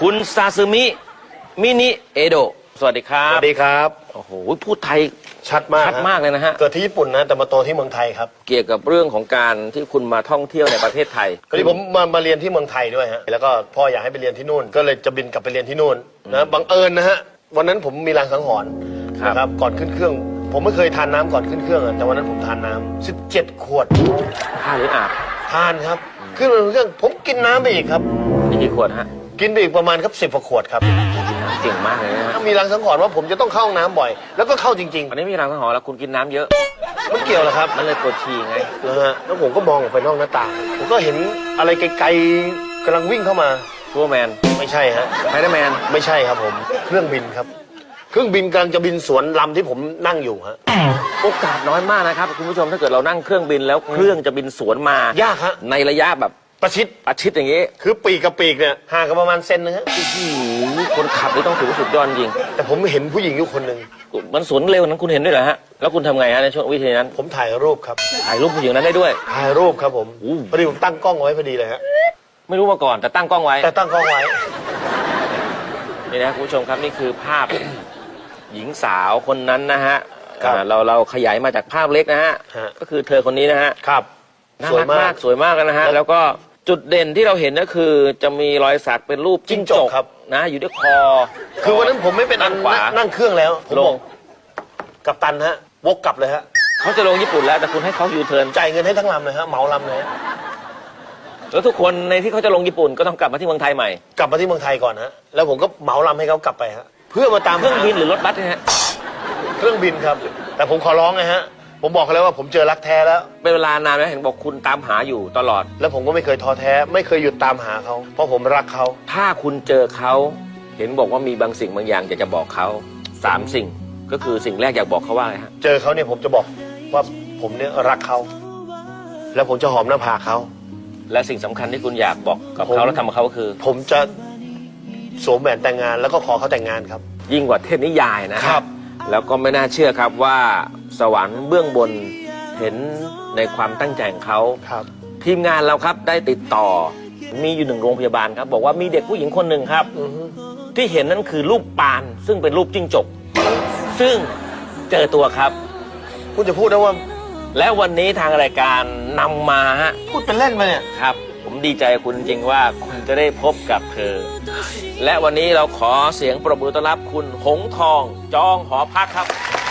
คุณซาซึมิมินิเอโดะสวัสดีครับสวัสดีครับโอ้โหพูดไทยชัดมากชัดมากเลยนะฮะเกิดที่ญี่ปุ่นนะแต่มาโตที่เมืองไทยครับเกี่ยวกับเรื่องของการที่คุณมาท่องเที่ยวในประเทศไทยก็ที่ผมมาเรียนที่เมืองไทยด้วยฮะแล้วก็พ่ออยากให้ไปเรียนที่นู่น ก็เลยจะบินกลับไปเรียนที่นู่นนะบังเอิญนะฮะวันนั้นผมมีรางสังหรณ์นะครับก่อนขึ้นเครื่อง ผมไม่เคยทานน้ำก่อนขึ้นเครื่องอะแต่วันนั้นผมทานน้ำ17 ขวดทานหรืออาบทานครับขึ้นมาเครื่องผมกินน้ำไปอีกครับมีกี่ขวดฮะกินไปอีกประมาณครับ10 กว่าขวดครับเก่งมากเลยนะฮะมีรางสังหรณ์ว่าผมจะต้องเข้าห้องน้ำบ่อย แล้วก็เข้าจริงวันนี้มีรางสังหรณ์แล้วคุณกินน้ำเยอะๆมันเกี่ยวเหรอครับมันเลยปวดฉี่ไงนะฮะแล้วผมก็มองออกไปนอกหน้าต่างผมก็เห็นอะไรไกลๆกำลังวิ่งเข้ามาทัวร์แมนไม่ใช่ฮะไพเดอร์แมนไม่ใช่ครับผมเครื่องบินครับ เครื่องบินกำลังจะบินสวนลำที่ผมนั่งอยู่ฮะโอกาสน้อยมากนะครับคุณผู้ชมถ้าเกิดเรานั่งเครื่องบินแล้วเครื่องจะบินสวนมายากฮะในระยะแบบประชิดอาชิดอย่างนี้คือปีกกับปีกเนี่ยห่างกันประมาณเซนนึงฮะคนขับนี่ต้องถือว่าสุดยอดจริงแต่ผมเห็นผู้หญิงอยู่คนหนึ่งมันสวนเร็วนั้นคุณเห็นด้วยเหรอฮะแล้วคุณทำไงฮะในช่วงวิธีนั้นผมถ่ายรูปครับถ่ายรูปผู้หญิงนั้นได้ด้วยถ่ายรูปครับผมอู้พอดีผมตั้งกล้องไว้พอดีเลยฮะไม่รู้มาก่อนแต่ตั้งกล้องไว้แต่ตั้งกล้องไว้นี่นะคุณผู้ชมครับนี่คือภาพ หญิงสาวคนนั้นนะฮะครับเราขยายมาจากภาพเล็กนะฮะฮะก็คือเธอคนนี้นะฮะครับน่าสวยรักมามาก กสวยมากนะฮะแล้วก็จุดเด่นที่เราเห็นก็คือจะมีรอยสักเป็นรูปจิ้งจกครับนะอยู่ที่คอคือวันนั้นผมไม่เป็นอันขวานั่งเครื่องแล้วผมลบงอกกัปตันฮะวกกลับเลยฮะเขาจะลงญี่ปุ่นแล้วแต่คุณให้เขายูเทิร์นจ่ายเงินให้ทั้งลำเลยฮะเหมาลำเลยฮะแล้วทุกคนในที่เขาจะลงญี่ปุ่นก็ต้องกลับมาที่เมืองไทยใหม่กลับมาที่เมืองไทยก่อนฮะแล้วผมก็เหมาลำให้เขากลับไปฮะเพื่อมาตามเครื่องบินหรือรถบัสเนี่ยฮะเครื่องบินครับ แต่ผมขอร้องไงฮะผมบอกเขาแล้วว่าผมเจอรักแท้แล้วเป็นเวลานานแล้วเห็นบอกคุณตามหาอยู่ตลอดแล้วผมก็ไม่เคยท้อแท้ ไม่เคยหยุดตามหาเขาเพราะผมรักเขาถ้าคุณเจอเขาเห็นบอกว่ามีบางสิ่งบางอย่างอยากจะบอกเขา3 สิ่งก็คือสิ่งแรกอยากบอกเขาว่าอะไรฮะเจอเขาเนี่ยผมจะบอกว่าผมเนี่ยรักเขาแล้วผมจะหอมหน้าผากเขาและสิ่งสำคัญที่คุณอยากบอกกับผมเขาแล้วทำกับเขาก็คือผมจะสวมแหวนแต่งงานแล้วก็ขอเขาแต่งงานครับยิ่งกว่าเทพนิยายนะครับ แล้วก็ไม่น่าเชื่อครับว่าสวรรค์เบื้องบนเห็นในความตั้งใจของเขาครับทีมงานเราครับได้ติดต่อมีอยู่1 โรงพยาบาลครับบอกว่ามีเด็กผู้หญิงคนหนึ่งครับอือฮึที่เห็นนั่นคือรูปปานซึ่งเป็นรูปจิ้งจก ซึ่งเจอตัวครับคุณจะพูดได้ว่าและวันนี้ทางรายการนำมาฮะพูดเป็นเล่นมาเนี่ยครับ ผมดีใจกับคุณจริงว่าคุณจะได้พบกับเธอ และวันนี้เราขอเสียงปรบมือต้อนรับคุณหงทองจองหอพักครับ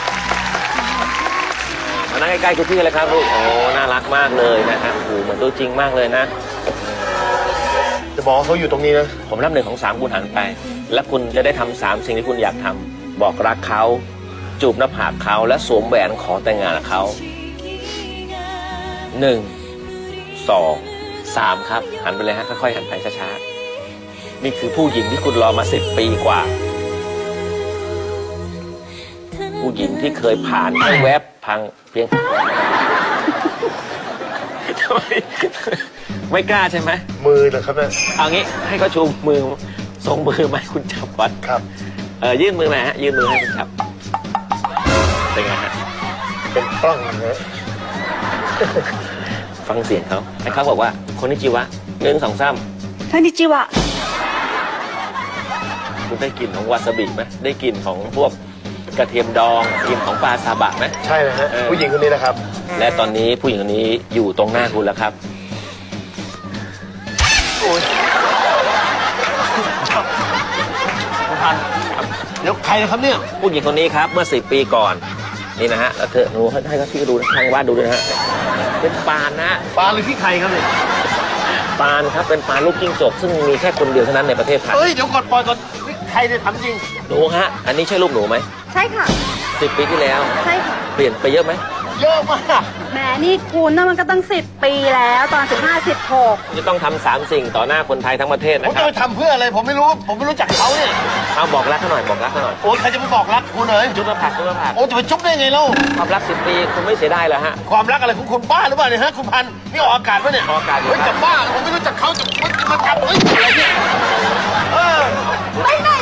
มานั่งใกล้ๆคุณพี่เลยครับลูกโอ้น่ารักมากเลยนะครับโอ้โหเหมือนตัวจริงมากเลยนะจะบอกว่าเขาอยู่ตรงนี้นะผมนับ1 2 3คุณหันไป และคุณจะได้ทำ3 สิ่งที่คุณอยากทำบอกรักเขาจูบหน้าผากเขาและสวมแหวนขอแต่งงานกับเขา1 2 3ครับหันไปเลยฮะค่อยๆหันไปช้าๆนี่คือผู้หญิงที่คุณรอมา10 ปีกว่า ผู้หญิงที่เคยผ่านแค่แวบพังเพียง ทำไมไม่กล้าใช่ไหมมือเหรอครับเนี่ยเอางี้ให้เขาชูมือส่งมือมาให้คุณจับก่อนครับยื่นมือมาฮะยื่นมือให้คุณจับเป็นไงฮะเป็นปล้องนะฟังเสียงเขาให้เขาบอกว่าคนนิจิวะ1 2 3 こんにちは。 คุณได้กลิ่นของวาซาบิไหมได้กลิ่นของพวกกระเทียมดองกลิ่นของปลาซาบะไหมใช่นะฮะผู้หญิงคนนี้นะครับและตอนนี้ผู้หญิงคนนี้อยู่ตรงหน้าคุณแล้วครับโอ้ยพันเดี๋ยวใครนะครับเนี่ยผู้หญิงคนนี้ครับเมื่อ10 ปีก่อนนี่นะฮะแล้วเธอหนูให้เขาที่ดูทางบ้านดูด้วยนะฮะเป็นปานนะปลาหรือขี้ใครครับเนี่ยปานครับเป็นปานลูกจิ้งจกซึ่งมีแค่คนเดียวเท่านั้นในประเทศไทยเฮ้ยเดี๋ยวก่อนปล่อยก่อนนี่ใครเนี่ยถามจริงหนูฮะอันนี้ใช่รูปหนูไหมใช่ค่ะ 10 ปีที่แล้วใช่ค่ะเปลี่ยนไปเยอะไหมเยอะมากแหมนี่คุณน่ะมันก็ตั้ง10 ปีแล้วตอน15 16 จะต้องทำ3 สิ่งต่อหน้าคนไทยทั้งประเทศผมนะคจะรับไปทำเพื่ออะไรผมไม่รู้ผมไม่รู้จักเขาเนี่ยเอาบอกรักเขาหน่อยบอกรักเขาหน่อยโอ้ยใครจะไปบอกรักคุณเลยจุ๊บหน้าผากจุ๊บหน้าผากโอ้จะไปจุ๊บได้ไงเล่าความรัก10 ปีคุณไม่เสียดายเหรอฮะความรักอะไรของคุณบ้าหรือเปล่าเนี่ยฮะคุณพันธุ์นี่ออกอากาศปะเนี่ยออกอากาศอยู่เฮ้ยครับจะบ้าผมไม่รู้จักเขาจะมาจับเฮ้ยอะไรเนี่ยเออไปไหน